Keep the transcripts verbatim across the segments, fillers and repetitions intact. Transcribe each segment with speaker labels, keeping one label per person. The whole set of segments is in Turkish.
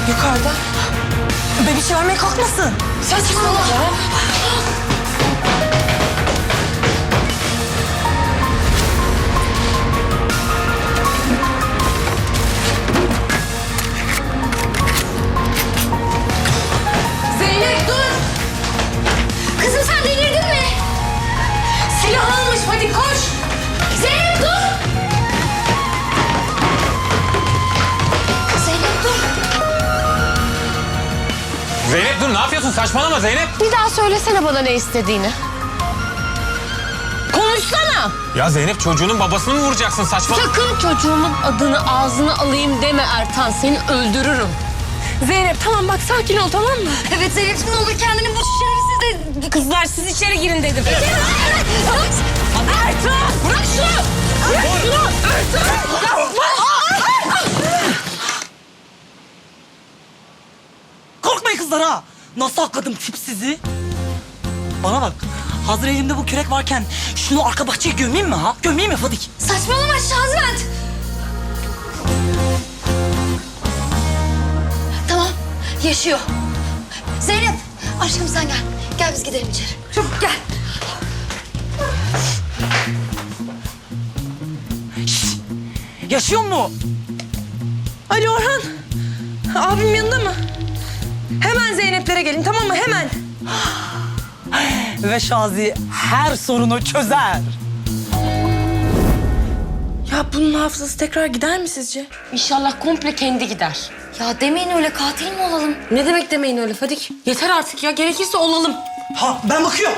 Speaker 1: Yukarıda. Bebiş vermeye kalkmasın. Saçmalama.
Speaker 2: Zeynep dur! Kızım sen delirdin mi? Silah almış, hadi koş! Zeynep dur! Zeynep dur!
Speaker 3: Zeynep dur, ne yapıyorsun? Saçmalama Zeynep.
Speaker 2: Bir daha söylesene bana ne istediğini. Konuşsana!
Speaker 3: Ya Zeynep, çocuğunun babasını mı vuracaksın? Saçmalama.
Speaker 2: Sakın çocuğumun adını ağzına alayım deme Ertan, seni öldürürüm.
Speaker 1: Zeynep tamam bak sakin ol tamam mı?
Speaker 2: Evet Zeynep'ciğim, ne olur kendini bu şerefsiz de...
Speaker 1: Kızlar siz içeri girin dedim.
Speaker 2: Ertan! Bırak şunu! Bırak şunu! Ertan! Yapma!
Speaker 4: Korkmayın kızlar ha. Nasıl akladım tipsizi? Bana bak. Hazır elimde bu kürek varken şunu arka bahçeye gömeyim mi ha? Gömeyim mi Fadik?
Speaker 2: Saçmalama Şazment! Tamam, yaşıyor. Zeynep, aşkım sen gel. Gel biz gidelim içeri. Çabuk gel.
Speaker 4: Yaşıyor mu?
Speaker 1: Ali Orhan. Abim yanında mı? Hemen Zeynep'lere gelin tamam mı? Hemen.
Speaker 4: Ve Şazi her sorunu çözer.
Speaker 1: Ya bunun hafızası tekrar gider mi sizce?
Speaker 2: İnşallah komple kendi gider. Ya demeyin öyle, katil mi olalım?
Speaker 1: Ne demek demeyin öyle Fadik? Yeter artık ya. Gerekirse olalım.
Speaker 4: Ha ben bakıyorum.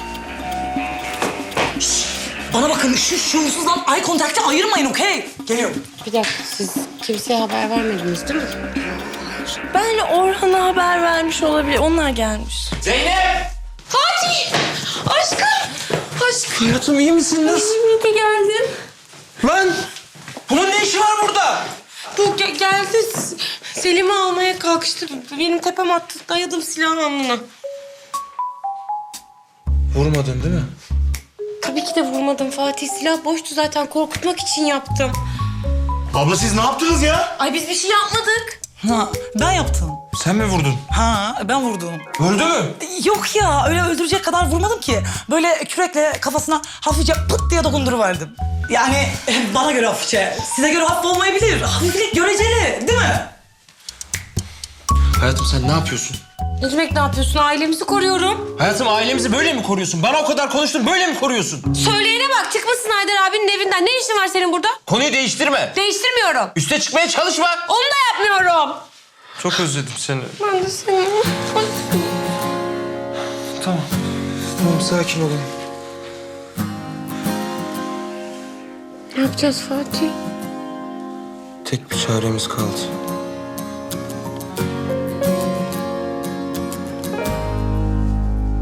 Speaker 4: Şşş, bana bakın şu şuursuzdan eye contact'ı ayırmayın okey? Geliyorum.
Speaker 2: Bir dakika, siz kimseye haber vermediniz değil mi?
Speaker 1: Ben Orhan'a haber vermiş olabilir. Onlar gelmiş.
Speaker 3: Zeynep!
Speaker 2: Fatih! Aşkım! Aşkım!
Speaker 3: Hayatım, iyi misin? Nasıl?
Speaker 1: İyi ki geldin.
Speaker 3: Lan! Bunun ne işi var burada?
Speaker 1: Bu ge- geldi. S- Selim'i almaya kalkıştı. Benim tepem attı. Dayadım silahın alnına.
Speaker 3: Vurmadın değil mi?
Speaker 1: Tabii ki de vurmadım Fatih. Silah boştu zaten. Korkutmak için yaptım.
Speaker 5: Abla siz ne yaptınız ya?
Speaker 1: Ay biz bir şey yapmadık.
Speaker 4: Ha ben yaptım.
Speaker 3: Sen mi vurdun?
Speaker 4: Ha ben vurdum.
Speaker 3: Öldü mü?
Speaker 4: Yok ya öyle öldürecek kadar vurmadım ki. Böyle kürekle kafasına hafifçe pıt diye dokunduruverdim. Yani bana göre hafifçe. Size göre hafif olmayabilir. Hafiflik göreceli değil mi?
Speaker 3: Hayatım, sen ne yapıyorsun?
Speaker 1: Ne demek ne yapıyorsun? Ailemizi koruyorum.
Speaker 3: Hayatım, ailemizi böyle mi koruyorsun? Bana o kadar konuştun, böyle mi koruyorsun?
Speaker 1: Söyleyene bak. Çıkmasın Haydar abinin evinden. Ne işin var senin burada?
Speaker 3: Konuyu değiştirme.
Speaker 1: Değiştirmiyorum.
Speaker 3: Üste çıkmaya çalışma.
Speaker 1: Onu da yapmıyorum.
Speaker 3: Çok özledim seni.
Speaker 1: Ben de seni.
Speaker 3: Tamam. Tamam, sakin olun.
Speaker 1: Ne yapacağız Fatih?
Speaker 3: Tek bir çaremiz kaldı.